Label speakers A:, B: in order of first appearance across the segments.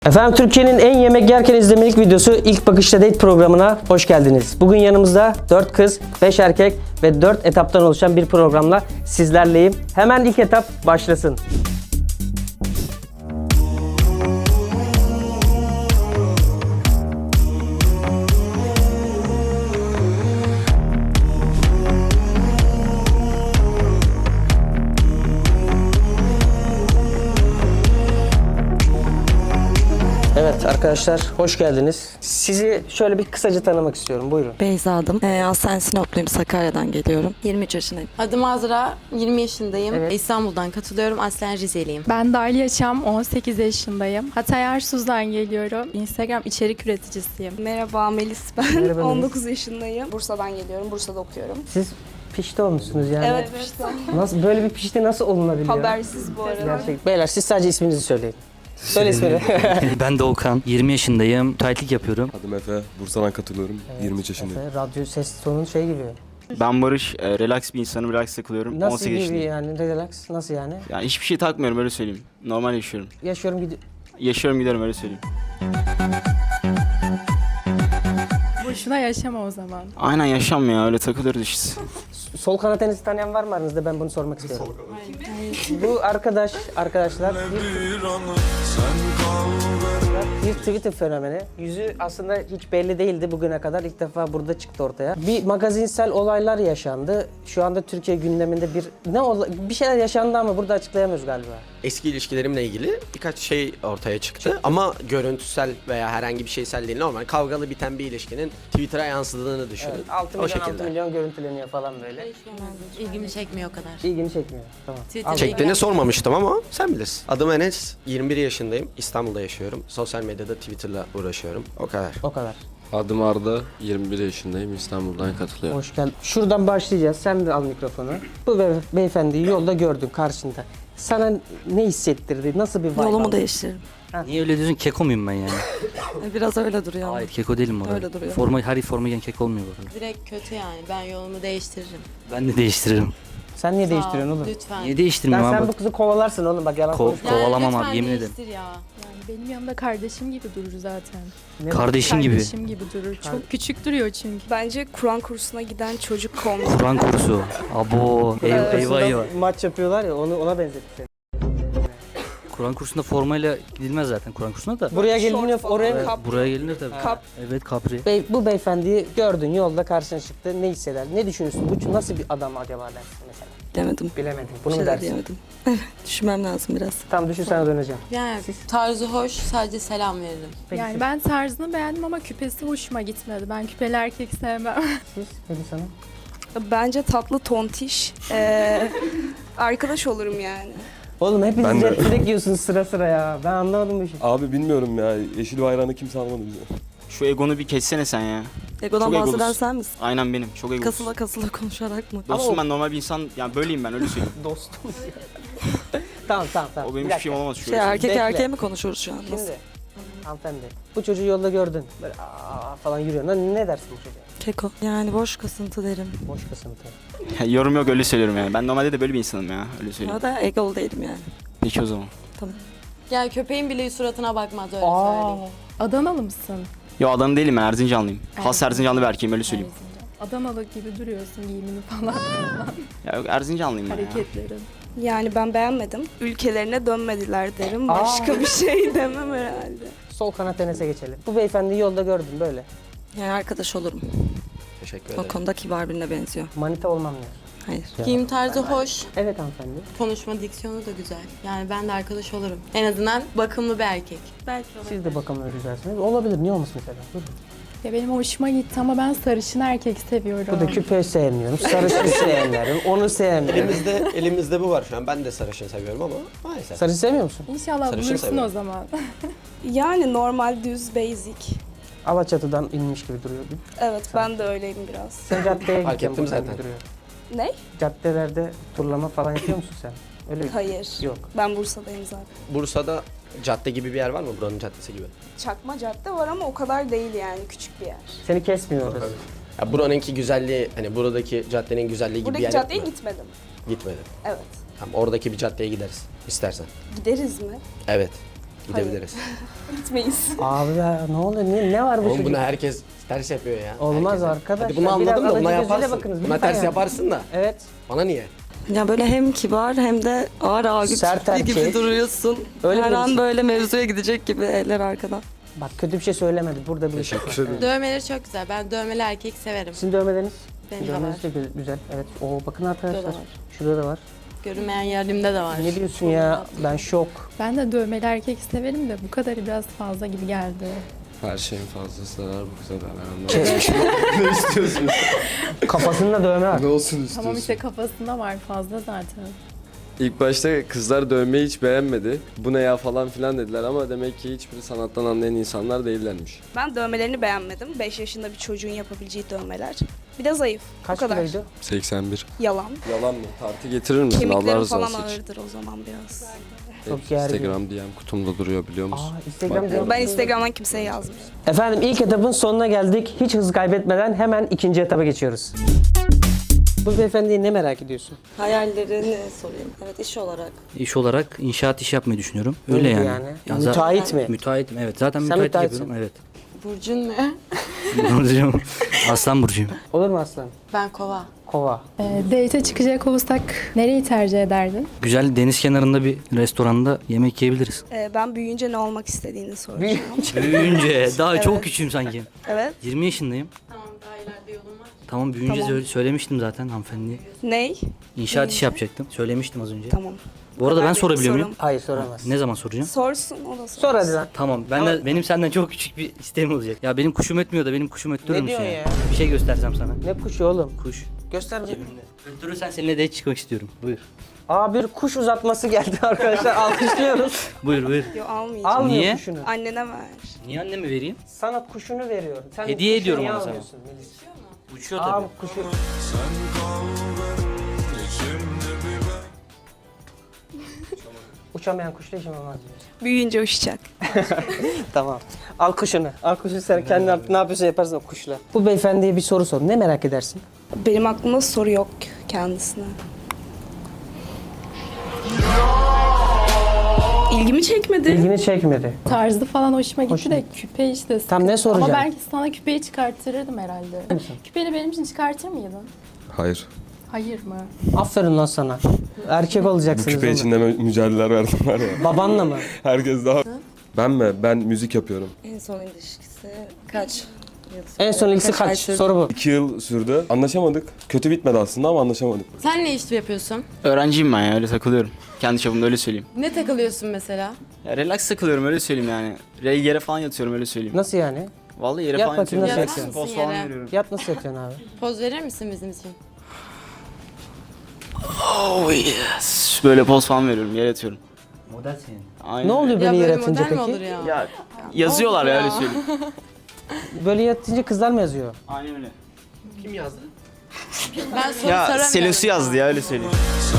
A: Efendim Türkiye'nin en yemek yerken izlemelik videosu İlk Bakışta Date programına hoş geldiniz. Bugün yanımızda 4 kız, 5 erkek ve 4 etaptan oluşan bir programla sizlerleyim. Hemen ilk etap başlasın. Evet arkadaşlar hoş geldiniz. Sizi şöyle bir kısaca tanımak istiyorum. Buyurun.
B: Beyza adım. Aslen Sinopluyum. Sakarya'dan geliyorum. 23 yaşındayım.
C: Adım Azra, 20 yaşındayım.
A: Evet.
C: İstanbul'dan katılıyorum. Aslen Rizeliyim.
D: Ben Darlia Çam, 18 yaşındayım. Hatay Arsuz'dan geliyorum. Instagram içerik üreticisiyim.
E: Merhaba Melis ben.
A: Merhaba Melis.
E: 19 yaşındayım. Bursa'dan geliyorum. Bursa'da okuyorum.
A: Siz pişti olmuşsunuz yani.
E: Evet işte.
A: Nasıl böyle bir pişti nasıl olunabiliyor?
E: Habersiz bu arada.
A: Gerçek. Beyler siz sadece isminizi söyleyin. Söyle ismini.
F: Ben de Okan. 20 yaşındayım. Müteahhitlik yapıyorum.
G: Adım Efe, Bursa'dan katılıyorum. 23 yaşındayım.
A: Radyo ses tonun şey gibi.
H: Ben Barış, relax bir insanım, relax takılıyorum.
A: Nasıl
H: 18
A: gibi
H: yaşındayım.
A: yani relax nasıl yani?
H: Yani hiçbir şey takmıyorum öyle söyleyeyim. Normal yaşıyorum.
A: Yaşıyorum gidiyorum.
H: Yaşıyorum giderim öyle söyleyeyim.
D: Boşuna yaşama o zaman.
H: Aynen yaşam ya öyle takılıyoruz işte.
A: Sol kanat tenisi tanıyan var mı aranızda? Ben bunu sormak istiyorum. Bu arkadaşlar bir Twitter fenomeni. Yüzü aslında hiç belli değildi bugüne kadar. İlk defa burada çıktı ortaya. Bir magazinsel olaylar yaşandı. Şu anda Türkiye gündeminde bir şeyler yaşandı ama burada açıklayamıyoruz galiba.
I: Eski ilişkilerimle ilgili birkaç şey ortaya çıktı ama görüntüsel veya herhangi bir şeysel değil, normal kavgalı biten bir ilişkinin Twitter'a yansıdığını düşünün.
A: Evet, 6
I: o
A: milyon,
I: şekilde.
A: 6 milyon görüntüleniyor falan böyle.
C: İlgimi çekmiyor o kadar.
A: İlgimi çekmiyor. Tamam.
C: Twitter'da
I: Çektiğini sormamıştım ama sen bilirsin. Adım Enes, 21 yaşındayım, İstanbul'da yaşıyorum. Sosyal medyada Twitter'la uğraşıyorum. O kadar.
A: O kadar.
G: Adım Arda, 21 yaşındayım. İstanbul'dan katılıyorum.
A: Hoş geldin. Şuradan başlayacağız. Sen de al mikrofonu. Bu beyefendiyi yolda gördün karşında. Sana ne hissettirdi? Nasıl bir vibe
B: Yolumu
A: aldın?
B: değiştiririm.
F: Niye öyle diyorsun? Keko muyum ben yani?
B: Biraz öyle duruyor ama.
F: Hayır keko değilim orada.
B: Öyle duruyor.
F: Her forma giyen keko olmuyor bu arada.
C: direkt kötü yani. Ben yolumu değiştiririm.
F: Ben de değiştiririm.
A: Sen niye
C: Sağ ol,
A: değiştiriyorsun oğlum?
C: Lütfen.
F: Niye değiştirmiyorum
A: Sen
F: abi?
A: bu kızı kovalarsın oğlum bak yalan konuşma.
F: Kovalamam
C: lütfen
F: abi, yemin ederim.
C: değiştir ya.
D: Yani benim yanımda kardeşim gibi durur zaten.
F: Kardeşim gibi.
D: Kardeşim gibi durur. Çok küçük duruyor çünkü.
E: Bence Kur'an kursuna giden çocuk olmalı.
F: Kur'an kursu. Abo. Eyvah eyvah.
A: Maç yapıyorlar ya ona benzetti seni.
F: Kur'an kursunda formayla gidilmez zaten Kur'an kursuna da.
A: Buraya geliniyor
E: Şort
A: oraya
E: falan,
A: mı?
E: kap-
F: Buraya gelinir tabii.
E: Kap.
F: Evet kapri.
A: Bu beyefendiyi gördün yolda karşına çıktı. Ne hisseder? Ne düşünürsün? Bu nasıl bir adam acaba dersin mesela?
B: Demedim.
A: Bilemedim.
B: Bir
A: Bunu mu
B: şeyler
A: dersin?
B: diyemedim. Düşünmem lazım biraz.
A: Tamam düşün sana döneceğim.
C: Yani tarzı hoş, sadece selam veririm.
A: Peki
D: Yani ben tarzını beğendim ama küpesi hoşuma gitmedi. Ben küpeli erkek sevmem.
A: siz Melis Hanım?
E: Bence tatlı tontiş. Arkadaş olurum yani.
A: Oğlum hepiniz
G: Ben de.
A: replik yiyorsunuz sıra sıra ya. Ben anlamadım bu işi.
G: Abi bilmiyorum ya, yeşil bayrağını kimse almadı bize.
H: Şu egonu bir kessene sen ya.
B: Egodan
H: Çok
B: bahseden
H: egolus.
B: sen misin?
H: Aynen benim, çok egolus.
B: Kasıla kasıla konuşarak mı?
H: Dostum ben normal bir insan, yani böyleyim ben öyle söyleyeyim.
A: Dostum. Tamam.
H: O benim
A: Bir
H: hiçbir şeyim olmaz şu
B: Şey
H: an.
B: erkek
A: Bekle.
B: erkeğe mi konuşuyoruz şu an? Nasıl?
A: Şimdi hanımefendi bu çocuğu yolda gördün. Böyle falan yürüyor. Ne dersin bu çocuğa?
B: Keko. Yani boş kasıntı derim.
A: Boş kasıntı.
H: Yorum yok öyle söylüyorum yani. Ben normalde de böyle bir insanım ya, öyle söyleyeyim.
B: Ya da egolu değilim yani.
H: Peki o zaman.
C: Yani köpeğin bile suratına bakmaz öyle söyleyeyim.
D: Adanalı mısın?
H: Yo adam değilim ben, Erzincanlıyım. Has
D: Erzincan.
H: Erzincanlı bir erkeğim öyle söyleyeyim.
D: Erzincan. Adanalı gibi duruyorsun giyimini falan.
H: Ya yok Erzincanlıyım ben ya.
D: Hareketlerin.
E: Yani ben beğenmedim. Ülkelerine dönmediler derim. Başka bir şey demem herhalde.
A: Sol kanat tenise geçelim. Bu beyefendiyi yolda gördün böyle.
B: Yani arkadaş olurum.
I: Teşekkür
B: O
I: ederim.
B: konuda kibar birine benziyor.
A: Manita olmam ya.
B: Hayır.
C: Giyim tarzı hoş,
A: Evet hanımefendi.
C: konuşma diksiyonu da güzel. Yani ben de arkadaş olurum. En azından bakımlı bir erkek. Belki
A: Siz de bakımlı güzelsiniz. Olabilir. Niye olmasın mesela? Buyurun.
D: Ya benim hoşuma gitti ama ben sarışın erkek seviyorum.
A: Bu da küpeyi sevmiyorum. Sarışın sevmiyorum. Onu sevmiyorum.
I: Elimizde bu var şu an. Ben de sarışın seviyorum ama maalesef.
A: Sarışın sevmiyor musun?
D: İnşallah
I: Sarışın
D: bulursun
I: seviyorum.
D: o zaman.
E: Yani normal, düz, basic.
A: Alaçatı'dan inmiş gibi duruyor.
E: Evet ben de öyleyim biraz.
A: Sen caddeye
I: Fark
A: gideceğim
I: ettim
A: buradan
I: zaten.
A: gibi duruyor.
E: Ne?
A: Caddelerde turlama falan yapıyor musun sen? Öyle mi?
E: Hayır.
A: Yok.
E: Ben Bursa'dayım zaten.
I: Bursa'da cadde gibi bir yer var mı? Buranın caddesi gibi.
E: Çakma cadde var ama o kadar değil yani. Küçük bir yer.
A: Seni kesmiyor orası.
I: Ya buranınki güzelliği, hani buradaki caddenin güzelliği gibi bir
E: Buradaki
I: yer
E: caddeye
I: yok mu?
E: gitmedim.
I: Gitmedim.
E: Evet.
I: Tamam, oradaki bir caddeye gideriz istersen.
E: Gideriz mi?
I: Evet. Gidebiliriz.
E: Gitmeyiz.
A: Abi ya, ne oluyor? Ne var bu
I: Oğlum
A: çocuk?
I: bunu herkes ters yapıyor ya.
A: Olmaz
I: Herkes.
A: arkadaşlar.
I: Hadi bunu
A: Biraz
I: anladım da
A: alıcı
I: buna
A: gözüyle
I: yaparsın.
A: bakınız,
I: Buna
A: lütfen
I: ters
A: ya.
I: yaparsın da.
A: Evet.
I: Bana niye?
B: Ya böyle hem kibar hem de ağır ağır
A: Sert
B: tipi gibi
A: erkek.
B: duruyorsun.
A: Öyle
B: Her
A: birisin.
B: an böyle mevzuya gidecek gibi eller arkadan.
A: Bak kötü bir şey söylemedi. Burada bir şey var.
C: Dövmeleri çok güzel. Ben dövmeli erkek severim.
A: Sizin dövmeleriniz?
C: Benim de
A: Dövmeniz de güzel. Evet. Oo bakın arkadaşlar.
C: Şurada da var.
A: Şurada da var.
C: Görünmeyen yerimde de var.
A: Ne diyorsun ya? Ben şok.
D: Ben de dövmeli erkek severim de bu kadarı biraz fazla gibi geldi.
G: Her şeyin fazlası zarar bu kıza da. Ne istiyorsunuz?
A: Kafasında dövme var.
G: Ne olsun istiyorsun?
D: Tamam işte kafasında var fazla zaten.
G: İlk başta kızlar dövmeyi hiç beğenmedi. Bu ne ya falan filan dediler ama demek ki hiçbiri sanattan anlayan insanlar değillermiş.
E: Ben dövmelerini beğenmedim. 5 yaşında bir çocuğun yapabileceği dövmeler. Bir de zayıf.
A: Kaç
E: Bu kadar.
A: kiloydu?
G: 81.
E: Yalan.
G: Yalan mı? Tartı getirir misin? Allah
E: Kemiklerim
G: razı
E: falan
G: olsun.
E: ağırdır o zaman biraz.
A: Çok gergin.
G: Instagram DM kutumda duruyor biliyor musun?
A: Instagram
E: Ben Instagram'dan kimseye yazmıyorum.
A: Efendim ilk etapın sonuna geldik. Hiç hız kaybetmeden hemen ikinci etaba geçiyoruz. Bu beyefendiyi ne merak ediyorsun?
B: Hayallerini sorayım. Evet iş olarak.
F: İş olarak inşaat işi yapmayı düşünüyorum. Öyle
A: Neydi
F: yani.
A: yani?
F: za-
A: Müteahhit mi?
F: Müteahhitim evet. Zaten
A: Sen
F: müteahhit
A: müteahhitsin.
F: yapıyorum. Evet.
C: Burcun ne?
F: Burcuyum. Aslan burcuyum.
A: Olur mu aslan?
C: Ben kova.
A: Kova.
D: Date'e çıkacak olursak nereyi tercih ederdin?
F: Güzel deniz kenarında bir restoranda yemek yiyebiliriz.
E: Ben büyüyünce ne olmak istediğini soracağım.
F: Büyüyünce daha çok küçüğüm sanki.
E: Evet.
F: 20 yaşındayım.
C: Tamam daha ileride yolum var.
F: Tamam büyüyünce
E: Tamam.
F: söylemiştim zaten hanımefendiye.
E: Ney?
F: İnşaat işi yapacaktım. Söylemiştim az önce.
E: Tamam.
F: Bu arada ben
E: benim
F: sorabiliyor muyum?
E: sorum.
A: Hayır soramaz.
F: Ne zaman soracağım?
E: Sorsun o da sorsun.
A: Sor hadi lan.
F: Tamam. Benim senden çok küçük bir isteğim olacak. Ya benim kuşum ötmüyor da benim kuşum öttürür
A: Ne
F: müsün
A: diyorsun
F: ya?
A: ya?
F: Bir şey göstersem sana.
A: Ne kuşu oğlum?
F: Kuş.
A: Göster bakayım.
F: Öttürürsen seninle de çıkmak istiyorum. Buyur.
A: Aa bir kuş uzatması geldi arkadaşlar. Alkışlıyoruz.
F: Buyur buyur.
E: Yo almayacağım.
A: Almıyor
F: Niye?
A: kuşunu.
E: Annene ver.
F: Niye anneme vereyim?
A: Sana kuşunu veriyorum. Sen
F: Hediye
A: kuşunu
F: ediyorum
A: niye
F: ona sana.
A: almıyorsun Melis?
F: Uçuyor
A: Aa
F: tabii.
A: kuşu. Uçamayan kuşla işim olmaz diyor.
E: Büyüyünce uçacak.
A: Tamam. Al kuşunu. Al kuşunu sen kendin artık ne yapıyorsan yaparsın o kuşla. Bu beyefendiye bir soru sor. Ne merak edersin?
E: Benim aklımda soru yok kendisine. İlgimi çekmedi.
A: İlgini çekmedi.
D: Tarzı falan hoşuma gitti de küpe işte sıkıntı.
A: Tam ne soracağım?
D: Ama belki sana küpeyi çıkartırdım herhalde. Küpeni benim için çıkartır mıydın?
G: Hayır.
D: Hayır mı?
A: Aferin lan sana. Erkek olacaksınız oğlum.
G: içinde mücadeleler verdim var ya.
A: Babanla mı?
G: Herkes daha... Ben mi? Ben müzik yapıyorum.
B: En son ilişkisi kaç?
A: En son ilgisi kaç? Soru bu.
G: 2 yıl sürdü. Anlaşamadık. Kötü bitmedi aslında ama anlaşamadık.
C: Sen ne iş yapıyorsun?
H: Öğrenciyim ben ya öyle takılıyorum. Kendi çapımda öyle söyleyeyim.
C: Ne takılıyorsun mesela?
H: Ya relax takılıyorum öyle söyleyeyim yani. Yere falan yatıyorum öyle söyleyeyim.
A: Nasıl yani?
H: Vallahi yere
A: Yat
H: falan
A: bakayım,
H: yatıyorum.
A: nasıl
H: Relax,
C: yatıyorsun?
H: poz falan
C: Yere.
H: veriyorum.
A: Yat nasıl yatıyorsun abi?
C: Poz verir misin bizim için?
H: Oh yes. Böyle poz falan veriyorum yere yatıyorum.
F: Model senin.
H: Aynen.
A: Ne oluyor
C: Ya
A: böyle
C: böyle
A: yaratınca
C: model mi olur
A: peki?
C: ya?
H: Ya yazıyorlar ya
C: ya.
H: öyle söyleyeyim.
A: Böyle yatınca kızlar mı yazıyor?
H: Aynen öyle.
I: Kim yazdı?
C: Ben soru
H: Ya
C: soramıyorum.
H: Selosu yazdı ya öyle söyleyeyim.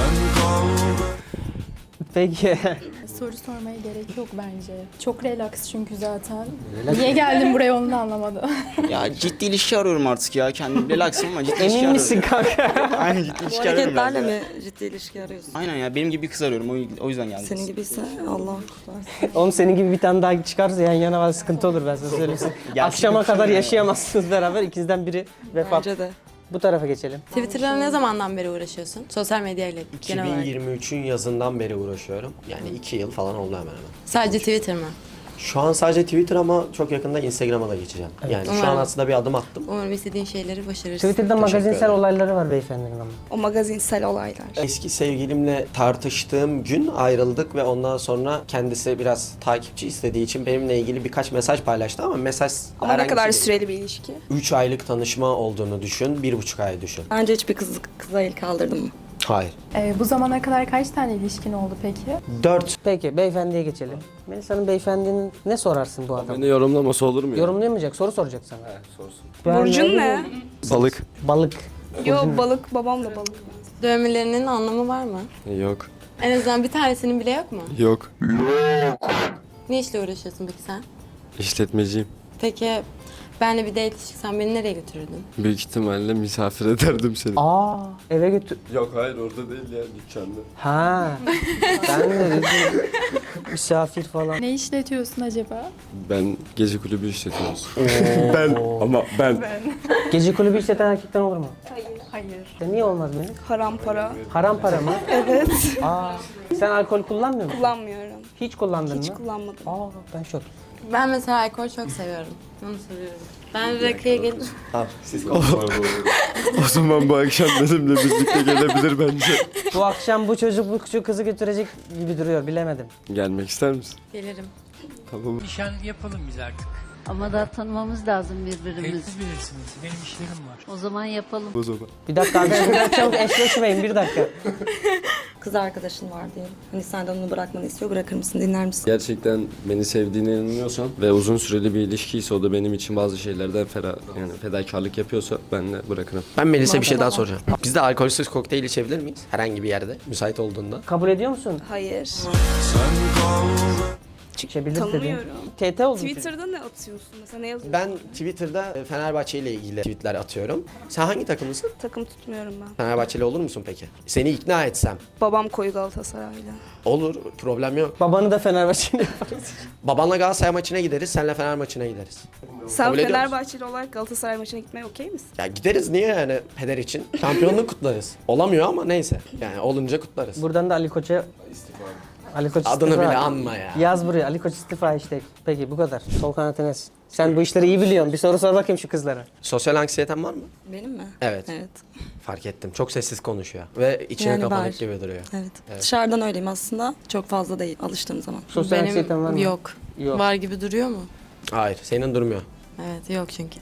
A: Peki.
D: Soru sormaya gerek yok bence. Çok relax çünkü zaten. Niye geldin buraya onu da anlamadım.
H: Ya ciddi ilişki arıyorum artık ya. Kendim relaxım ama ciddi ilişki
A: Emin
H: arıyorum.
A: misin kanka?
H: Aynen ciddi
B: Bu
H: ilişki arıyorum. biraz
B: hareketlerle
H: ya.
B: mi ciddi ilişki arıyorsun?
H: Aynen ya benim gibi bir kız arıyorum o yüzden geldim.
B: Senin gibiyse Allah kurtarsın.
A: Oğlum senin gibi bir tane daha çıkarsa yan yana var sıkıntı olur ben sana söyleyeyim. Akşama kadar yaşayamazsınız beraber ikinizden biri vefat.
B: Bence de.
A: Bu tarafa geçelim.
C: Twitter'la ne zamandan beri uğraşıyorsun? Sosyal medyayla genel olarak.
I: 2023'ün yazından beri uğraşıyorum. Yani 2 yıl falan oldu hemen hemen.
C: Sadece Twitter mı?
I: Şu an sadece Twitter ama çok yakında Instagram'a da geçeceğim. Yani şu an
C: Umarım.
I: aslında bir adım attım.
C: Umarım istediğin şeyleri başarırsın.
A: Twitter'da magazinsel
I: ederim.
A: olayları var beyefendinin ama.
E: O magazinsel olaylar.
I: Eski sevgilimle tartıştığım gün ayrıldık ve ondan sonra kendisi biraz takipçi istediği için benimle ilgili birkaç mesaj paylaştı ama mesaj
E: Ama ne kadar
I: bir şey
E: süreli bir ilişki?
I: 3 aylık tanışma olduğunu düşün, 1,5 ay düşün.
B: Bence hiçbir kıza el kaldırdın mı?
I: Hayır.
D: Bu zamana kadar kaç tane ilişkin oldu peki?
I: 4.
A: Peki beyefendiye geçelim. Melisa'nın beyefendinin ne sorarsın bu adama?
G: Beni yorumlaması olur mu ya?
A: Yorumlayamayacak, soru soracak sana.
G: Sorsun.
A: Ben
E: Burcun ne?
G: Balık.
A: Balık.
E: Yo balık, babam da balık.
C: Dövmelerinin anlamı var mı?
G: Yok.
C: En azından bir tanesinin bile yok mu?
G: Yok.
C: Ne işle uğraşıyorsun peki sen?
G: İşletmeciyim.
C: Peki benle bir date çıksan beni nereye götürürdün?
G: Büyük ihtimalle misafir ederdim seni.
A: Aa, eve götür.
G: Yok hayır orada değil ya dükkanda.
A: Ha. Ben de dedim. misafir falan.
D: Ne işletiyorsun acaba?
G: Ben gece kulübü işletiyoruz. ben.
A: Gece kulübü işleten erkekten olur mu?
D: Hayır.
A: Ya niye olmaz benim?
E: Haram para.
A: Haram para mı?
E: Evet.
A: Aa, sen alkol kullanmıyor musun?
E: Kullanmıyorum.
A: Hiç kullandın
E: Hiç
A: mı?
E: kullanmadım.
A: Aa, ben şok.
C: Ben mesela alkol çok seviyorum. Onu seviyorum. Ben rakıya gelirim.
G: O zaman bu akşam benimle birlikte gelebilir bence.
A: Bu akşam bu çocuk bu küçük kızı götürecek gibi duruyor, bilemedim.
G: Gelmek ister misin?
C: Gelirim.
G: Tamam.
J: Nişan yapalım biz artık.
K: Ama daha tanımamız lazım birbirimizi.
J: Siz bilirsiniz. Benim işlerim var.
K: O zaman yapalım.
G: O zaman.
A: Bir dakika arkadaşlar, çabuk eşleşmeyin, bir dakika.
B: Kız arkadaşın var diyelim. Hani senden onu bırakmanı istiyor. Bırakır mısın? Dinler misin?
G: Gerçekten beni sevdiğine inanıyorsan ve uzun süreli bir ilişkiyse o da benim için bazı şeylerden fedakarlık yapıyorsa ben de bırakırım.
I: Ben Melis'e bir şey daha soracağım. Biz de alkolsüz kokteyl içebilir miyiz? Herhangi bir yerde müsait olduğunda.
A: Kabul ediyor musun?
E: Hayır.
A: İçebilir dedin.
E: Tanımıyorum.
A: TT oldu.
E: Twitter'da ne atıyorsun? Mesela ne yazıyorsun?
I: Ben Twitter'da Fenerbahçe ile ilgili tweetler atıyorum. Sen hangi takımlısın?
E: Takım tutmuyorum ben.
I: Fenerbahçeli olur musun peki? Seni ikna etsem.
E: Babam koyu Galatasaraylı.
I: Olur, problem yok.
A: Babanı da Fenerbahçe'yle yaparız.
I: Babanla Galatasaray maçına gideriz, senle Fener maçına gideriz.
E: Sen
I: Kabul ediyor musun?
E: Fenerbahçeli olarak Galatasaray maçına gitmeye okey misin?
I: Ya gideriz niye yani peder için? Şampiyonluğu kutlarız. Olamıyor ama neyse. Yani olunca kutlarız.
A: Buradan da Ali Koç'a... Ali Koç
I: Adını
A: istifa.
I: bile anma ya.
A: Yaz buraya, Ali Koç istifa işte. Peki bu kadar. Sol kanat Enes. Sen bu işleri iyi biliyorsun. Bir soru sor bakayım şu kızlara.
I: Sosyal anksiyeten var mı?
B: Benim mi?
I: Evet.
B: Evet.
I: Fark ettim. Çok sessiz konuşuyor. Ve içine
B: Yani
I: kapanık
B: var.
I: gibi duruyor.
B: Evet. Dışarıdan öyleyim aslında. Çok fazla değil alıştığım zaman.
A: Sosyal anksiyeten var mı?
C: Yok.
A: Yok.
C: Var gibi duruyor mu?
I: Hayır, senin durmuyor.
C: Evet, yok çünkü.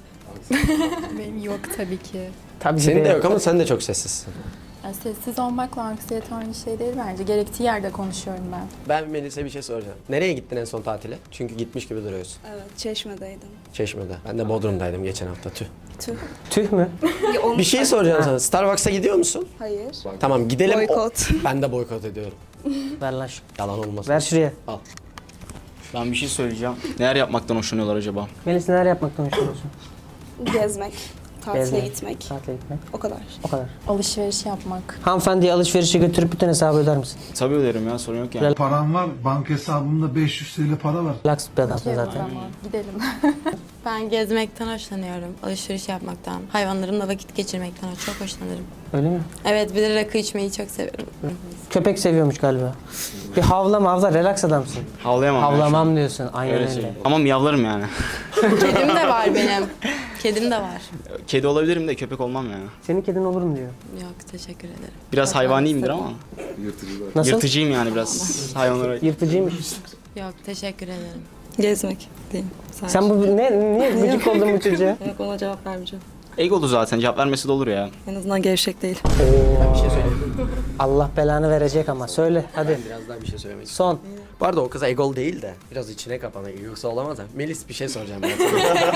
D: Benim yok tabii ki.
A: Tabii
I: Senin de
A: ki
I: yok ama sen de çok sessizsin.
D: Yani sessiz olmakla anksiyete aynı şey değil bence. Gerektiği yerde konuşuyorum ben.
I: Ben Melis'e bir şey soracağım. Nereye gittin en son tatile? Çünkü gitmiş gibi duruyorsun.
E: Evet. Çeşme'deydim.
I: Çeşme'de. Ben de Bodrum'daydım geçen hafta. Tüh.
E: Tüh.
A: Tüh mü?
E: Ya olmuş
I: Bir şey soracağım sana. Starbucks'a gidiyor musun?
E: Hayır.
I: Tamam gidelim.
E: Boykot.
I: Ben de boykot ediyorum.
A: Ver lan şu.
I: Yalan olmasın.
A: Ver şuraya.
H: Ben bir şey söyleyeceğim. Neler yapmaktan hoşlanıyorlar acaba?
A: Melis neler yapmaktan hoşlanıyorsun?
E: Gezmek. Tatile
A: Gezmek.
E: gitmek.
A: Tatile gitmek.
E: O kadar.
A: O kadar.
D: Alışveriş yapmak.
A: Hanımefendiyi alışverişe götürüp bütün hesabı öder misin?
H: Tabii öderim ya, sorun yok yani.
J: Param var. Banka hesabımda 500 TL para var.
A: Laks bir adamsın zaten.
D: Tamam, gidelim.
C: Ben gezmekten hoşlanıyorum. Alışveriş yapmaktan. Hayvanlarımla vakit geçirmekten çok hoşlanırım.
A: Öyle mi?
C: Evet, bir de rakı içmeyi çok seviyorum.
A: Köpek seviyormuş galiba. Bir havla, relax adamsın.
H: Havlayamam. ben şu an.
A: Havlamam diyorsun. Aynen
H: Öyle
A: öyle.
H: söyleyeyim. Ama miyavlarım yani.
C: Kedim de var benim. Kedim de var.
H: Kedi olabilirim de köpek olmam yani.
A: Senin kedin olur mu diyor.
C: Yok, teşekkür ederim.
H: Biraz hayvaniyimdir ama.
A: Nasıl?
H: Yırtıcıyım yani biraz hayvanlara.
A: Yırtıcıymış.
C: Yok, teşekkür ederim.
B: Gezmek diyeyim. Sadece.
A: Sen bu niye gıcık oldun bu çocuğa?
B: Yok, ona cevap vermeyeceğim.
H: Egolu zaten, cevap vermesi de olur ya.
B: En azından gevşek değil.
I: Bir şey söyleyeyim.
A: Allah belanı verecek ama. Söyle hadi.
I: Biraz daha bir şey söylemek istiyorum.
A: Son.
I: Bu arada o kız egol değil de biraz içine kapanık. Yoksa olamaz ha. Melis bir şey soracağım ben sana.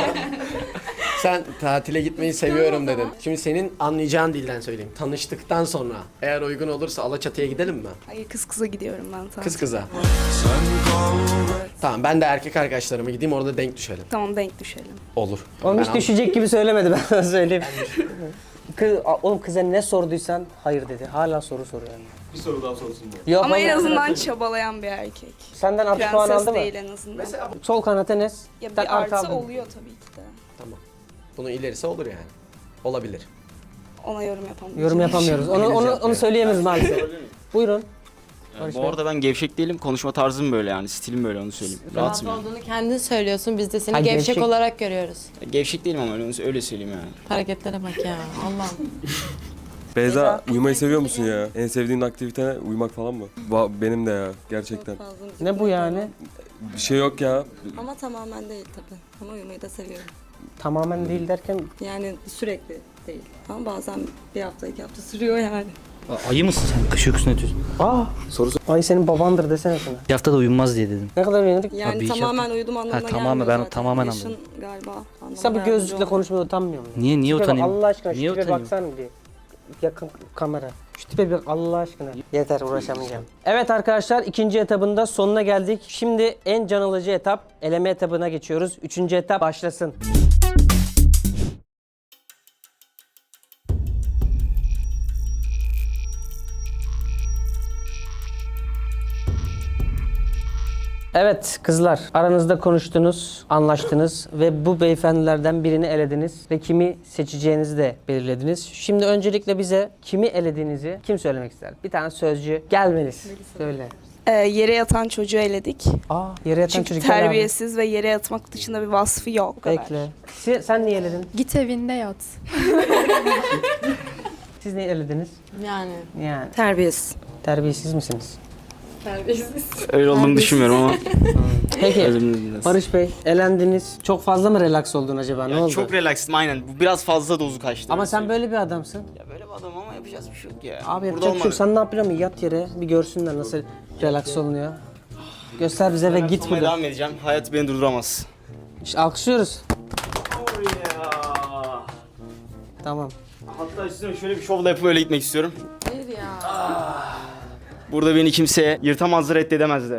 I: Sen tatile gitmeyi seviyorum dedin. Şimdi senin anlayacağın dilden söyleyeyim. Tanıştıktan sonra eğer uygun olursa Alaçatı'ya gidelim mi?
E: Hayır, kız kıza gidiyorum ben tatile.
I: Kız kıza. Tamam ben de erkek arkadaşlarıma gideyim orada denk düşelim.
E: Tamam, denk düşelim.
I: Olur.
A: Oğlum hiç
I: Ben
A: düşecek gibi söylemedi, ben sana söyleyeyim. Oğlum kıza ne sorduysan hayır dedi. Hala soru soruyor. Bir soru daha sorsun mu? Yok,
E: Ama en
A: hayır.
E: azından çabalayan bir erkek.
A: Senden artı puan
E: Prenses
A: aldı mı?
E: değil en azından.
A: Sol kanat Enes.
E: Ya
A: Sen
E: bir artı
A: aldın.
E: oluyor tabii ki de.
I: Tamam. Bunun ilerisi olur yani. Olabilir.
E: Ona yorum yapamayacağım.
A: Yorum yapamıyoruz. Onu söyleyemeyiz maalesef. Buyurun. Barış
H: Bu
A: Bey.
H: arada ben gevşek değilim. Konuşma tarzım böyle yani. Stilim böyle, onu söyleyeyim. Rahatım yani.
C: Olduğunu kendin söylüyorsun. Biz de seni
A: Ha,
C: gevşek
A: gevşek.
C: olarak görüyoruz.
H: Gevşek değilim ama öyle söyleyeyim yani.
C: Hareketlere bak ya. Allah'ım.
G: Beyza uyumayı seviyor musun ya? En sevdiğin aktivite uyumak falan mı? Benim de ya gerçekten.
A: Ne bu yani?
G: Bir şey yok ya.
B: Ama tamamen değil tabii. Ama uyumayı da seviyorum.
A: Tamamen değil derken
B: Yani sürekli değil. Ama bazen bir hafta 2 hafta sürüyor yani.
F: Ayı mısın sen? Kış uykusunu yatıyorsun.
A: ay senin babandır desene sana.
F: Bir hafta da uyunmaz diye dedim.
A: Ne kadar uyanık?
B: Yani
F: Abi,
B: tamamen uyudum anlamına
F: Ha, tamamen,
B: gelmiyor
F: ben
B: zaten.
F: tamamen
B: Yaşın
F: anladım.
B: galiba anlamına
A: Sen bu
B: yardımcı
A: gözlükle
B: olmuyor.
A: konuşmada utanmıyor musun?
F: Niye
A: Tipe bak,
F: utanayım?
A: Allah aşkına şu
F: Niye
A: tipe
F: utanayım?
A: baksana bir. Yakın kamera. Şu tipe bir bak Allah aşkına. Yeter, uğraşamayacağım. Evet arkadaşlar, ikinci etabında sonuna geldik. Şimdi en can alıcı etap, eleme etabına geçiyoruz. Üçüncü etap başlasın. Evet kızlar, aranızda konuştunuz, anlaştınız ve bu beyefendilerden birini elediniz ve kimi seçeceğinizi de belirlediniz. Şimdi öncelikle bize kimi elediğinizi kim söylemek ister? Bir tane sözcü gelmeliyiz. Söyle.
E: Yere yatan çocuğu eledik.
A: Yere yatan
E: Çünkü
A: çocuk gel abi.
E: terbiyesiz ve yere yatmak dışında bir vasfı yok. O kadar.
A: Bekle. Sen niye eledin?
D: Git evinde yat.
A: Siz niye elediniz?
C: Yani.
A: Yani
B: Terbiyesiz.
A: terbiyesiz misiniz?
H: Öyle olduğunu düşünmüyorum ama.
A: Peki
H: Özür dileriz.
A: Barış Bey elendiniz. Çok fazla mı relax oldun acaba? Ne oldu?
H: Çok relaxım aynen. Bu biraz fazla dozu kaçtı.
A: Ama sen böyle bir adamsın.
H: Ya böyle bir adam ama yapacağız bir şey yok ya.
A: Abi
H: Burada
A: yapacak bir şey yok.
H: olmadı.
A: Sen ne yapıyorsun? Yat yere bir görsünler nasıl relax olunuyor. Göster bize ve
H: Ben
A: git
H: olmaya
A: buradan.
H: devam edeceğim. Hayat beni durduramaz.
A: İşte alkışlıyoruz. Tamam.
H: Hatta üstüne şöyle bir şovla yapıp öyle gitmek istiyorum.
C: Hayır ya.
H: Burada beni kimse yırtamazdı, reddedemezdi.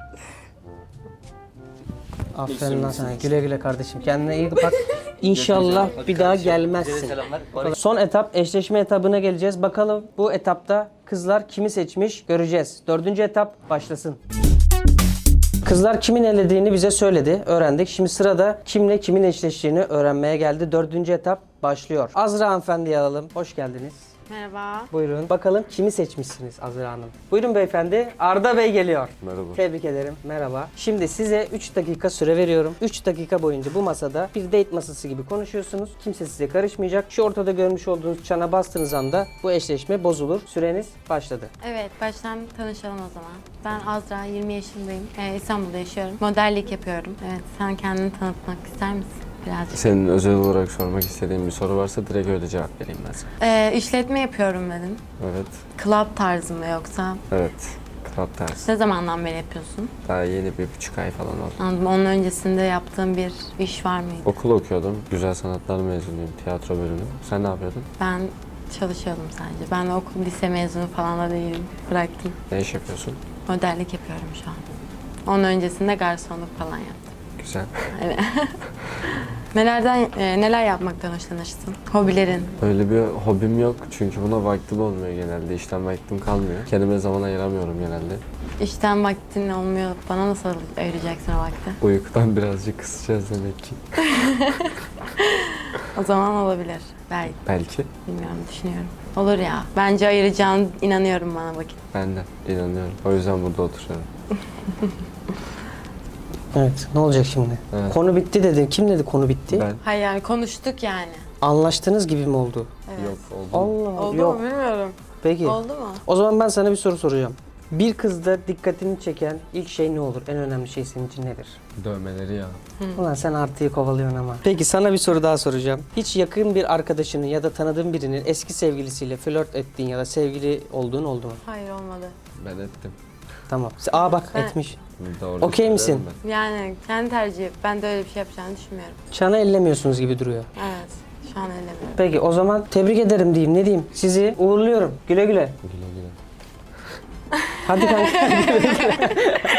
A: Aferin lan sana. Güle güle kardeşim. Kendine iyi bak. İnşallah bir daha gelmezsin. Son etap eşleşme etabına geleceğiz. Bakalım bu etapta kızlar kimi seçmiş göreceğiz. 4. etap başlasın. Kızlar kimin elediğini bize söyledi, öğrendik. Şimdi sırada kimle kimin eşleştiğini öğrenmeye geldi. 4. etap başlıyor. Azra hanımefendiyi alalım. Hoş geldiniz.
C: Merhaba.
A: Buyurun. Bakalım kimi seçmişsiniz Azra Hanım? Buyurun beyefendi. Arda Bey geliyor.
G: Merhaba.
A: Tebrik ederim. Merhaba. Şimdi size 3 dakika süre veriyorum. 3 dakika boyunca bu masada bir date masası gibi konuşuyorsunuz. Kimse size karışmayacak. Şu ortada görmüş olduğunuz çana bastığınız anda bu eşleşme bozulur. Süreniz başladı.
C: Evet, baştan tanışalım o zaman. Ben Azra, 20 yaşındayım. İstanbul'da yaşıyorum. Modellik yapıyorum. Evet, sen kendini tanıtmak ister misin? Birazcık.
G: Senin özel olarak sormak istediğin bir soru varsa direkt öyle cevap vereyim ben sana.
C: İşletme yapıyorum dedim.
G: Evet.
C: Club tarzı mı yoksa?
G: Evet. Club tarzı.
C: Ne zamandan beri yapıyorsun?
G: Daha yeni 1,5 ay falan oldu.
C: Anladım. Onun öncesinde yaptığın bir iş var mıydı?
G: Okul okuyordum. Güzel sanatlar mezunuyum. Tiyatro bölümü. Sen ne yapıyordun?
C: Ben çalışıyordum sadece. Ben okul, lise mezunu falan da değilim. Bıraktım.
G: Ne iş yapıyorsun?
C: Modellik yapıyorum şu an. Onun öncesinde garsonluk falan yaptım.
G: Güzel.
C: Evet. Neler yapmaktan hoşlanırsın? Hobilerin.
G: Öyle bir hobim yok çünkü buna vaktim olmuyor genelde. İşten vaktim kalmıyor. Kendime zaman ayıramıyorum genelde.
C: İşten vaktin olmuyor. Bana nasıl ayıracaksın o vakti?
G: Uykudan birazcık kısacağız demek ki.
C: O zaman olabilir. Belki.
G: Belki.
C: Bilmiyorum, düşünüyorum. Olur ya. Bence ayıracağını inanıyorum bana vakit.
G: Ben de inanıyorum. O yüzden burada oturuyorum.
A: Evet. Ne olacak şimdi?
G: Evet.
A: Konu bitti dedi. Kim dedi konu bitti?
G: Ben
C: Hayır yani konuştuk yani.
A: Anlaştığınız gibi mi oldu?
C: Evet.
G: yok oldum.
A: Allah
C: Oldu
A: yok.
C: mu bilmiyorum.
A: Peki.
C: Oldu mu?
A: O zaman ben sana bir soru soracağım. Bir kızda dikkatini çeken ilk şey ne olur? En önemli şey senin için nedir?
G: Dövmeleri ya.
A: Ulan sen artıyı kovalıyorsun ama. Peki sana bir soru daha soracağım. Hiç yakın bir arkadaşının ya da tanıdığın birinin eski sevgilisiyle flört ettiğin ya da sevgili olduğun oldu mu?
C: Hayır olmadı.
G: Ben ettim.
A: Tamam. Bak
C: Ben-
A: etmiş.
G: Doğru
A: Okey misin?
G: söylerim ben.
C: Yani kendi tercihi. Ben de öyle bir şey yapacağını düşünmüyorum.
A: Çana ellemiyorsunuz gibi duruyor.
C: Evet. Şu an ellemiyorum.
A: Peki o zaman tebrik ederim diyeyim. Ne diyeyim? Sizi uğurluyorum. Güle güle.
G: Güle güle.
A: Hadi kanka. Güle güle.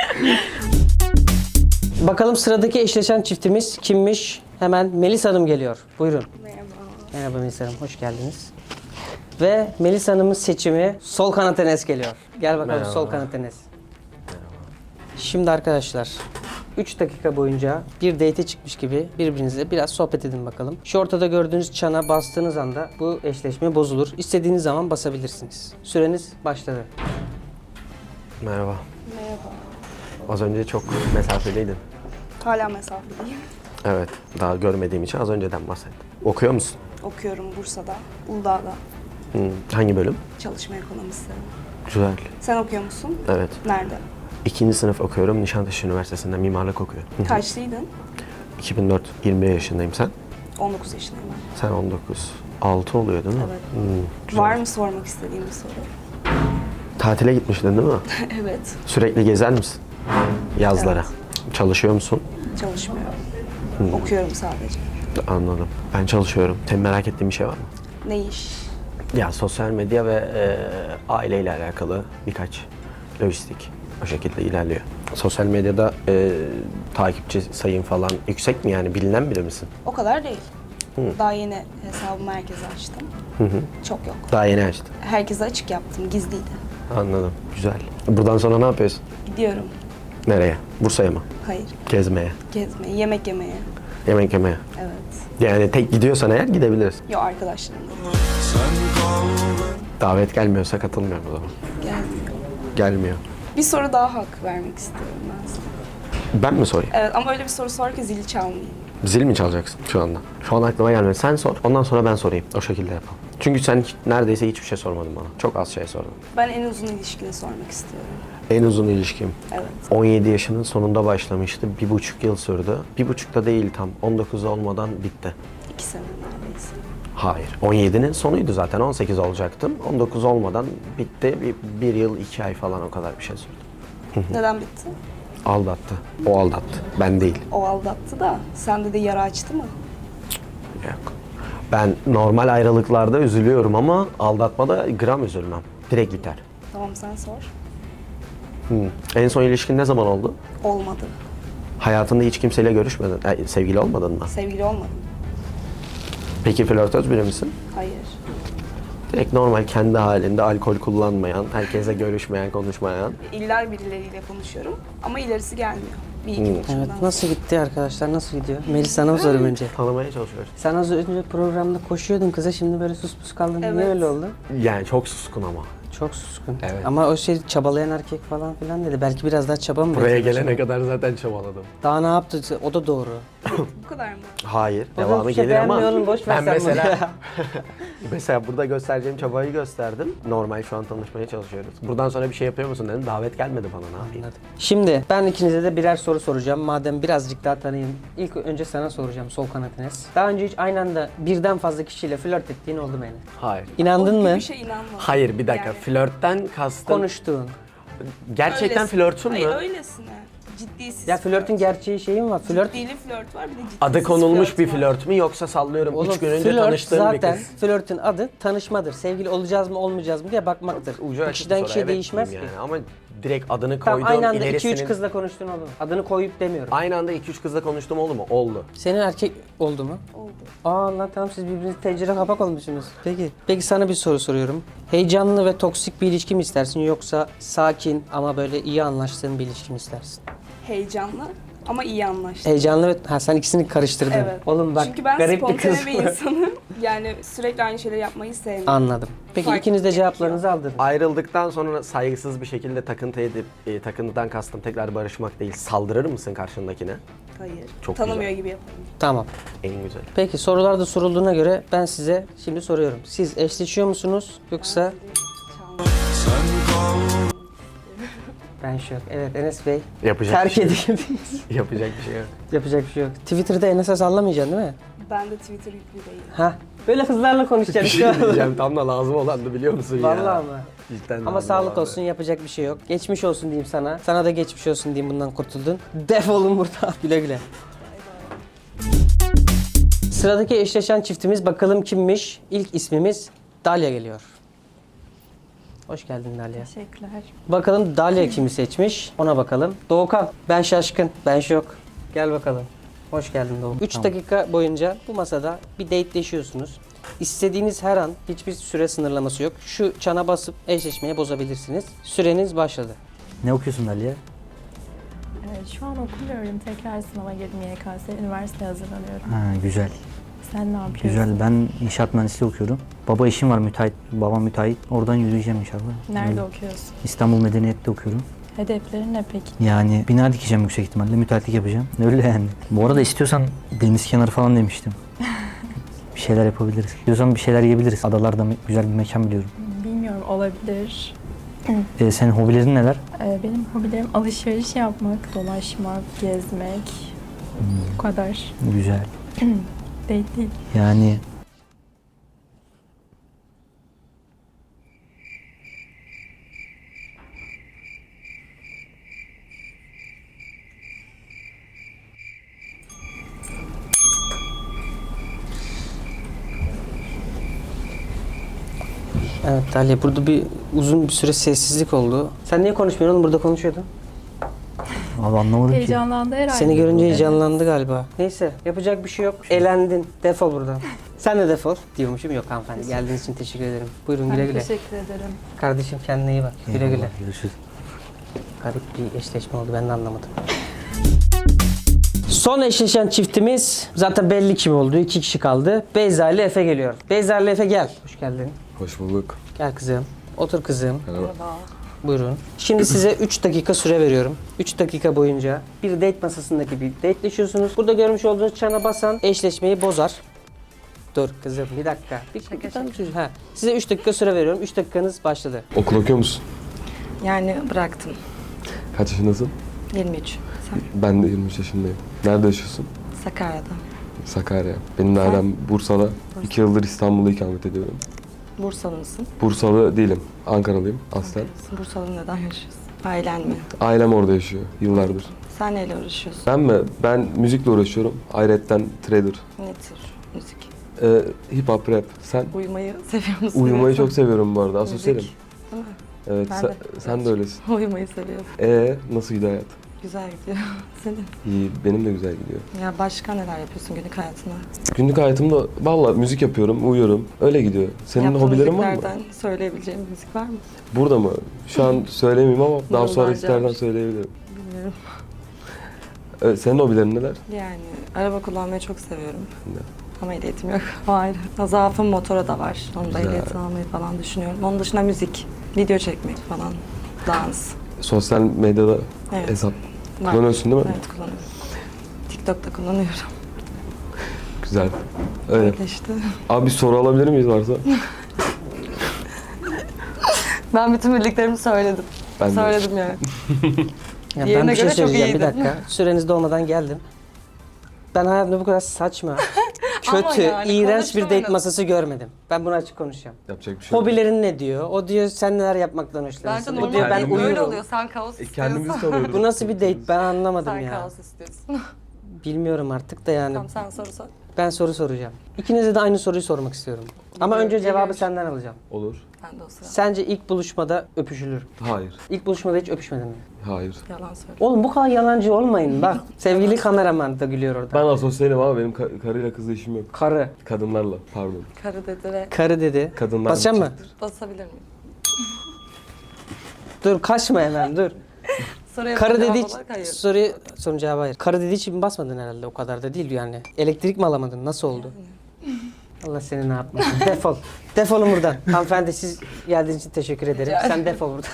A: Bakalım sıradaki eşleşen çiftimiz kimmiş? Hemen Melis Hanım geliyor. Buyurun.
E: Merhaba.
A: Merhaba Melis Hanım, hoş geldiniz. Ve Melis Hanım'ın seçimi sol kanat Enes geliyor. Gel bakalım
G: Merhaba.
A: sol kanat Enes. Şimdi arkadaşlar 3 dakika boyunca bir date'e çıkmış gibi birbirinizle biraz sohbet edin bakalım. Şu ortada gördüğünüz çana bastığınız anda bu eşleşme bozulur. İstediğiniz zaman basabilirsiniz. Süreniz başladı.
I: Merhaba. Merhaba. Az önce çok mesafeliydin.
E: Hala mesafeliyim.
I: Evet. Daha görmediğim için az önceden bahsettim. Okuyor musun?
E: Okuyorum Bursa'da, Uludağ'da.
I: Hangi bölüm?
E: Çalışma ekonomisi.
I: Güzel.
E: Sen okuyor musun?
I: Evet.
E: Nerede?
I: 2. sınıf okuyorum. Nişantaşı Üniversitesi'nde mimarlık okuyorum.
E: Kaçlıydın?
I: 2004, 21 yaşındayım sen.
E: 19 yaşındayım ben.
I: Sen 19. 6 oluyor değil mi?
E: Evet.
I: Güzel.
E: Var mı sormak istediğin bir soru?
I: Tatile gitmiştin değil mi?
E: Evet.
I: Sürekli gezer misin? Yazlara. Çalışıyor musun?
E: Çalışmıyorum. Okuyorum sadece.
I: Anladım. Ben çalışıyorum. Senin merak ettiğin bir şey var mı?
E: Ne iş?
I: Ya sosyal medya ve aileyle alakalı birkaç lojistik o şekilde ilerliyor. Sosyal medyada takipçi sayın falan yüksek mi yani bilinen biri misin?
E: O kadar değil. Daha yeni hesabımı herkese açtım. Çok yok.
I: Daha yeni açtın.
E: Herkese açık yaptım, gizliydi.
I: Anladım. Güzel. Buradan sonra ne yapıyorsun?
E: Gidiyorum.
I: Nereye? Bursa'ya mı?
E: Hayır.
I: Gezmeye,
E: Gezmeye, yemek yemeye.
I: yemek yemeye.
E: Evet.
I: Yani tek gidiyorsan eğer gidebiliriz.
E: Yo, arkadaşlarımla.
I: Davet gelmiyorsa katılmıyorum o zaman.
E: Gelmiyor.
I: Gelmiyor.
E: Bir soru daha hak vermek istiyorum ben sana.
I: Ben mi sorayım?
E: Evet, ama öyle bir soru sor ki zili çalmayayım.
I: Zil mi çalacaksın şu anda? Şu an aklıma gelmedi. Sen sor. Ondan sonra ben sorayım. O şekilde yapalım. Çünkü sen neredeyse hiçbir şey sormadın bana. Çok az şey sordun.
E: Ben en uzun ilişkini sormak istiyorum.
I: En uzun ilişkim.
E: Evet.
I: 17 yaşının sonunda başlamıştı. 1,5 yıl sürdü. 1,5 da değil tam. 19 olmadan bitti.
E: 2 sene neredeyse.
I: Hayır. 17'nin sonuydu zaten. 18 olacaktım. 19 olmadan bitti. Bir yıl 2 ay falan o kadar bir şey sürdü.
E: Neden bitti?
I: Aldattı. O aldattı. Ben değil.
E: O aldattı da sende de yara açtı mı?
I: Yok. Ben normal ayrılıklarda üzülüyorum ama aldatmada gram üzülmem. Direkt biter.
E: Tamam, sen sor.
I: En son ilişkin ne zaman oldu?
E: Olmadı.
I: Hayatında hiç kimseyle görüşmedin. Sevgili olmadın mı?
E: Sevgili olmadım.
I: Peki flörtöz biri misin?
E: Hayır.
I: Direkt normal kendi halinde alkol kullanmayan, herkese görüşmeyen, konuşmayan.
E: İlla birileriyle konuşuyorum ama ilerisi gelmiyor. Bir iki buluşmadan
A: Evet,
E: sonra.
A: nasıl gitti arkadaşlar? Nasıl gidiyor? Melis, sana mı sorayım önce?
I: Tanımaya çalışıyoruz.
A: Sen az önce programda koşuyordun kıza, şimdi böyle sus pus kaldın. Niye
E: Evet.
A: öyle oldu?
I: Yani çok suskun ama.
A: Çok suskun.
I: Evet.
A: Ama o şey çabalayan erkek falan filan dedi. Belki biraz daha çaba mı
I: Buraya
A: bekliyor
I: gelene
A: acaba?
I: kadar zaten çabaladım.
A: Daha ne yaptı? O da doğru.
E: Bu kadar mı?
I: Hayır,
A: O da
I: devamı
A: bir şey
I: gelir ama
A: beğenmiyor oğlum, boş ver
I: ben
A: sen
I: mesela mesela burada göstereceğim çabayı gösterdim. Normal şu an tanışmaya çalışıyoruz. Buradan sonra bir şey yapıyor musun dedim. Davet gelmedi bana, ne yapayım?
A: Şimdi ben ikinize de birer soru soracağım. Madem birazcık daha tanıyayım. İlk önce sana soracağım, sol kanat Enes. Daha önce hiç aynı anda birden fazla kişiyle flört ettiğin oldu mu Enes?
I: Hayır.
A: İnandın
E: O gibi
A: mı?
E: bir şey inanmadım.
I: Hayır, bir dakika.
E: Yani
I: Flörtten kastım.
A: Konuştuğun.
I: Gerçekten
E: öylesine.
I: flörtün mü?
E: Hayır, öylesine. Ciddiysiz
A: Ya flörtün gerçeği şeyi mi var? Flört
E: Ciddili flört var, bir de ciddisiz
I: Adı konulmuş bir
E: var.
I: flört mü yoksa sallıyorum
A: Oğlum,
I: 3 gün önce
A: flört
I: tanıştığın
A: zaten,
I: bir kız?
A: flörtün adı tanışmadır. Sevgili olacağız mı olmayacağız mı diye bakmaktır.
I: Ucu açık
A: Kişiden
I: bir soru,
A: kişiye
I: evet
A: değişmez ki.
I: diyeyim yani. Ama direkt adını
A: Tamam,
I: koydum,
A: aynı anda 2-3
I: ilerisinin...
A: kızla konuştun oldu mu? Adını koyup demiyorum.
I: Aynı anda 2-3 kızla konuştum oldu mu? Oldu.
A: Senin erkek oldu mu?
E: Oldu.
A: Aa lan, tamam, siz birbirinize tencere kapak olmuşsunuz. Peki sana bir soru soruyorum. Heyecanlı ve toksik bir ilişki mi istersin, yoksa sakin ama böyle iyi anlaştığın bir ilişki mi istersin?
E: Heyecanlı ama iyi anlaştık.
A: Heyecanlı ve... sen ikisini karıştırdın.
E: Evet.
A: Oğlum bak,
E: Çünkü ben
A: garip bir kız
E: spontane bir
A: bu.
E: insanım. Yani sürekli aynı şeyleri yapmayı sevmiyorum.
A: Anladım. Peki
E: Fark
A: ikiniz de
E: gerekiyor.
A: cevaplarınızı aldınız.
I: Ayrıldıktan sonra saygısız bir şekilde takıntı edip, takıntıdan kastım tekrar barışmak değil, saldırır mısın karşındakine?
E: Hayır.
I: Çok
E: Tanımıyor
I: güzel.
E: gibi yaparım.
A: Tamam.
I: En güzel.
A: Peki sorular da sorulduğuna göre ben size şimdi soruyorum. Siz eşleşiyor musunuz, yoksa... Ben şok. Evet Enes Bey.
I: Yapacak
A: Terk
I: bir şey yok.
A: edildiniz.
I: Yapacak bir şey yok.
A: Yapacak bir şey yok. Twitter'da Enes'e sallamayacaksın değil mi?
E: Ben de Twitter yüklü değilim.
A: Ha. Böyle kızlarla
I: Bir
A: konuşacaksın.
I: şey diyeceğim, tam da lazım olandı biliyor musun ya?
A: Vallahi mı?
I: Cidden
A: Ama
I: lazım
A: sağlık
I: olandı.
A: olsun, yapacak bir şey yok. Geçmiş olsun diyeyim sana. Sana da geçmiş olsun diyeyim, bundan kurtuldun. Defolun buradan. Güle güle. Sıradaki eşleşen çiftimiz bakalım kimmiş? İlk ismimiz Dalia geliyor. Hoş geldin Dalia.
D: Teşekkürler.
A: Bakalım Dalia kimi seçmiş? Ona bakalım. Doğukan, ben şaşkın, ben şok. Gel bakalım. Hoş geldin Doğukan. 3 dakika boyunca bu masada bir dateleşiyorsunuz. İstediğiniz her an, hiçbir süre sınırlaması yok. Şu çana basıp eşleşmeye bozabilirsiniz. Süreniz başladı.
F: Ne okuyorsun Aliye?
D: Şu an okumuyorum. Tekrar sınava girdim YKS. Üniversiteye hazırlanıyorum.
F: Ha, güzel.
D: Sen ne yapıyorsun?
F: Güzel. Ben inşaat mühendisliği okuyorum. Baba işim var, müteahhit. Babam müteahhit. Oradan yürüyeceğim inşallah.
D: Nerede
F: Öyle.
D: okuyorsun?
F: İstanbul Medeniyet'te okuyorum.
D: Hedeflerin ne peki?
F: Yani bina dikeceğim yüksek ihtimalle. Müteahhitlik yapacağım. Öyle yani. Bu arada istiyorsan deniz kenarı falan demiştim. Bir şeyler yapabiliriz. İstiyorsan bir şeyler yiyebiliriz. Adalarda güzel bir mekan biliyorum.
D: Bilmiyorum, olabilir.
F: Senin hobilerin neler?
D: Benim hobilerim alışveriş yapmak, dolaşmak, gezmek. Bu kadar.
F: Güzel.
D: Değil.
F: Yani
A: Evet Dalia, burada uzun bir süre sessizlik oldu. Sen niye konuşmuyorsun oğlum? Burada konuşuyordun.
F: abi anlamadım ki.
D: Heyecanlandı herhalde.
A: Seni görünce heyecanlandı galiba. Neyse, yapacak bir şey yok. Elendin. Defol buradan. Sen de defol diyormuşum. Yok hanımefendi. Geldiğiniz için teşekkür ederim. Buyurun, güle güle.
D: Teşekkür ederim.
A: Kardeşim kendine iyi bak. Güle güle.
F: Eyvallah, görüşürüz.
A: Garip bir eşleşme oldu, ben de anlamadım. Son eşleşen çiftimiz zaten belli kim oldu. 2 kişi kaldı. Beyza ile Efe geliyor. Beyza ile Efe gel. Hoş geldin.
G: Hoş bulduk.
A: Gel kızım. Otur kızım.
G: Merhaba.
A: Buyurun. Şimdi size 3 dakika süre veriyorum. 3 dakika boyunca bir date masasındaki bir dateleşiyorsunuz. Burada görmüş olduğunuz çana basan eşleşmeyi bozar. Dur kızım bir dakika. Ha. Size 3 dakika süre veriyorum. 3 dakikanız başladı.
G: Okul okuyor musun?
B: Yani bıraktım.
G: Kaç yaşındasın?
B: 23. Sen?
G: Ben de 23 yaşındayım. Nerede yaşıyorsun?
B: Sakarya'da.
G: Sakarya. Benim de ailem Bursa'da. 2 yıldır İstanbul'da ikamet ediyorum.
B: Bursalı mısın?
G: Bursalı değilim. Ankaralıyım aslen.
B: Bursa'da neden yaşıyorsun? Ailen mi?
G: Ailem orada yaşıyor yıllardır.
B: Sen neyle uğraşıyorsun?
G: Ben mi? Ben müzikle uğraşıyorum. Ayrıca trader.
B: Ne tür müzik?
G: Hip hop, rap. Sen?
B: Uyumayı seviyor musun?
G: Uyumayı çok seviyorum bu arada. Asosyalim.
B: Müzik. Değil mi?
G: Evet,
B: Ben de.
G: sen de öylesin.
B: Uyumayı seviyorum.
G: Nasıl gidiyor hayat?
B: Güzel gidiyor. Senin?
G: İyi, benim de güzel gidiyor.
B: Ya başka neler yapıyorsun günlük hayatında?
G: Günlük hayatımda valla müzik yapıyorum, uyuyorum. Öyle gidiyor. Senin
B: Yaptığın
G: hobilerin var mı?
B: müziklerden söyleyebileceğim bir müzik var mı?
G: Burada mı? Şu an söylemeyeyim ama daha
B: Yıllarca
G: sonra isterden
B: var.
G: söyleyebilirim.
B: Bilmiyorum.
G: Senin hobilerin neler?
B: Yani araba kullanmayı çok seviyorum.
G: Ben de.
B: Ama ehliyetim yok. O ayrı. Zaafım motora da var. Onu da
G: Güzel.
B: ehliyetini almayı falan düşünüyorum. Onun dışında müzik, video çekmek falan, dans.
G: Sosyal medyada
B: Evet.
G: hesap
B: Var.
G: kullanıyorsun değil mi?
B: Evet kullanıyorum. TikTok'ta kullanıyorum.
G: Güzel. Öyle.
B: Öyle işte.
G: Abi bir soru alabilir miyiz varsa?
B: Ben bütün bildiklerimi söyledim.
G: Ben de.
B: Söyledim yani.
A: Ya ben
B: Diğerine
A: bir şey
B: göre çok
A: söyleyeceğim bir
B: iyiydim.
A: dakika. Süreniz dolmadan geldim. Ben hayatımda bu kadar saçma,
B: Ama
A: kötü,
B: yani
A: iğrenç bir date
B: konuştuğumuz-
A: masası görmedim. Ben bunu açık konuşacağım.
G: Yapacak bir şey yok.
A: Hobilerin ne diyor? O diyor sen neler yapmaktan hoşlanırsın.
B: Bence
A: O diyor ben
B: normal böyle
A: uyurum.
B: oluyor. Sen kaos istiyorsun.
G: Kendimizi tanıyoruz.
A: Bu nasıl bir date ben anlamadım
B: Sen
A: ya.
B: kaos istiyorsun.
A: Bilmiyorum artık da yani.
B: Tamam sen soru sor.
A: Ben soru soracağım. İkinize de aynı soruyu sormak istiyorum. Ama önce cevabı senden alacağım.
G: Olur.
B: Ben de o sıra.
A: Sence ilk buluşmada öpüşülür mü?
G: Hayır.
A: İlk buluşmada hiç öpüşmedin mi?
G: Hayır.
B: Yalan söyle.
A: Oğlum bu kadar yalancı olmayın bak. Sevgili kameraman da gülüyor orada.
G: Ben asosyalim ama benim karıyla kızla işim yok.
A: Karı.
G: Kadınlarla pardon.
B: Karı dedi ve
A: Karı dedi.
G: Kadınlar
A: Basacak mı?
B: basabilir miyim?
A: Dur kaçma hemen dur.
B: Soruya
A: Karı
B: cevap
A: dediği
B: olarak hayır.
A: sorun cevabı hayır. Karı dediği için basmadın herhalde o kadar da değil yani. Elektrik mi alamadın? Nasıl oldu? Allah seni ne yapmasın. Defol. Defolun buradan. Hanımefendi siz geldiğiniz için teşekkür ederim. Sen defol buradan.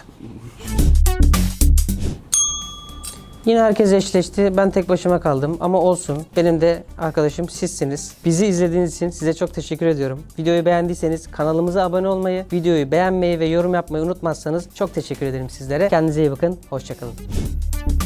A: Yine herkes eşleşti. Ben tek başıma kaldım ama olsun. Benim de arkadaşım sizsiniz. Bizi izlediğiniz için size çok teşekkür ediyorum. Videoyu beğendiyseniz kanalımıza abone olmayı, videoyu beğenmeyi ve yorum yapmayı unutmazsanız çok teşekkür ederim sizlere. Kendinize iyi bakın. Hoşça kalın.